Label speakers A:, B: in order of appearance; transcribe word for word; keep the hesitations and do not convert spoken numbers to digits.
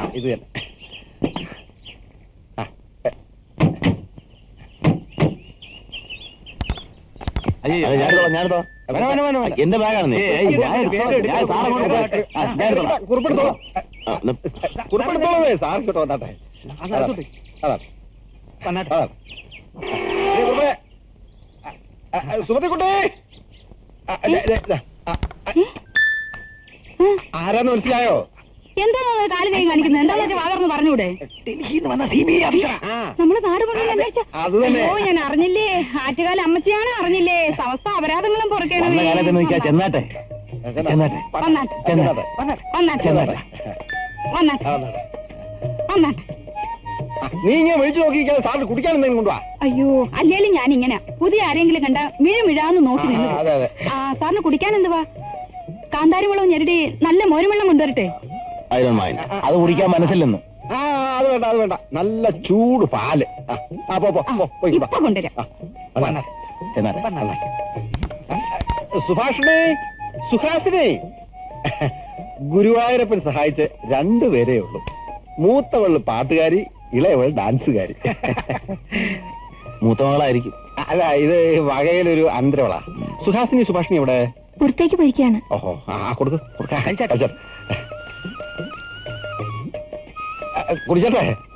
A: ഇത് തന്നെ.
B: എന്റെ ബാഗാണ്
A: കുറിപ്പെടുത്തോളേ സാർ കേട്ടോ വന്നാട്ടെ. സുമതിക്കുട്ടി ആരാന്ന് മനസ്സിലായോ?
C: എന്താ കാലം കൈ കാണിക്കുന്നത്? എന്താ വാതർന്ന് പറഞ്ഞൂടെ? നമ്മള് നാട്
A: അത് തന്നെ.
C: ഓ ഞാൻ അറിഞ്ഞില്ലേ, ആറ്റുകാല അമ്മച്ചിയാണ് അറിഞ്ഞില്ലേ, സമസ്ത അപരാധങ്ങളും പുറക്കേണ്ടത്.
B: ചെന്നാട്ടെ
A: നീ ഇങ്ങനെ വിളിച്ചു നോക്കിയിരിക്കാതെ സാറിന് കുടിക്കാൻ എന്തെങ്കിലും കൊണ്ടുവാ.
C: അയ്യോ അല്ലേലും ഞാൻ ഇങ്ങനെ പുതിയ ആരെങ്കിലും കണ്ട മിഴ മിഴാന്ന് നോക്കി നിന്നു. ആ സാറിന് കുടിക്കാൻ എന്തുവാ? കാന്താരി വെള്ളവും ഞെരടി നല്ല മോരുവെള്ളം കൊണ്ടുവരട്ടെ.
B: അത് കുടിക്കാൻ മനസ്സില്ലെന്ന്.
A: ആ അത് വേണ്ട അത് വേണ്ട, നല്ല ചൂട് പാല്.
C: ഇപ്പൊ കൊണ്ടുവരാം.
A: സുഭാഷിണി സുഹാസിനി, ഗുരുവായൂരപ്പൻ സഹായിച്ച് രണ്ടുപേരേ ഉള്ളൂ. മൂത്തവള് പാട്ടുകാരി, ഇളയവൾ ഡാൻസുകാരി.
B: മൂത്തമകളായിരിക്കും.
A: അല്ല, ഇത് വകയിലൊരു അന്തരവളാ. സുഹാസിനി സുഭാഷിണി എവിടെ?
C: പുറത്തേക്ക് പോയിരിക്കാണ്.
A: ഓഹോ, ആ കൊടുത്തു കുടിച്ചോട്ടെ.